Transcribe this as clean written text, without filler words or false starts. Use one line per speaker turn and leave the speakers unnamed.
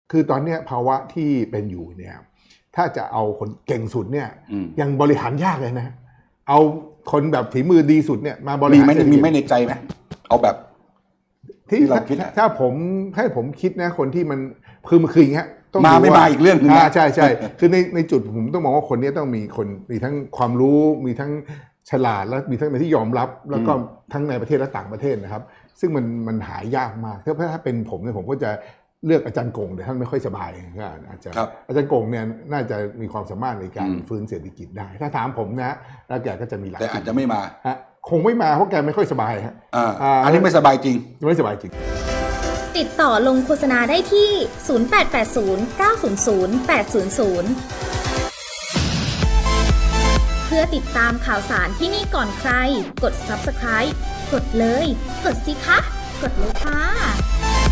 คือตอนเนี้ยภาวะที่เป็นอยู่เนี่ยถ้าจะเอาคนเก่งสุดเนี่ยยังบริหารยากเลยนะเอาคนแบบฝีมือดีสุดเนี่ยมาบริหาร
มีไม่ในใจไหมเอาแบบ
ที่เราคิดถ้าผมให้ผมคิดนะคนที่มันคืออย่างเงี้ย
มาไม่มาอีกเรื่องนึงนะ
ใช่คือในจุดผมต้องมองว่าคนนี้ต้องมีทั้งความรู้มีทั้งฉลาดแล้วมีทั้งในที่ยอมรับแล้วก็ทั้งในประเทศและต่างประเทศนะครับซึ่งมันหายากมากถ้าเป็นผมเนี่ยผมก็จะเลือกอาจารย์กงแต่ท่านไม่ค่อยสบายอาจารย์กงเนี่ยน่าจะมีความสามารถในการฟื้นเศรษฐกิจได้ถ้าถามผมนะแล้วแกก็จะมีหลัก
แต่อาจจะไม่มา
คงไม่มาเพราะแกไม่ค่อยสบายฮะ
อันนี้ไม่สบายจริง
ไม่สบายจริง
ติดต่อลงโฆษณาได้ที่ 0880 900 800 เพื่อติดตามข่าวสารที่นี่ก่อนใครกด Subscribe กดเลยกดสิคะกดเลยค่ะ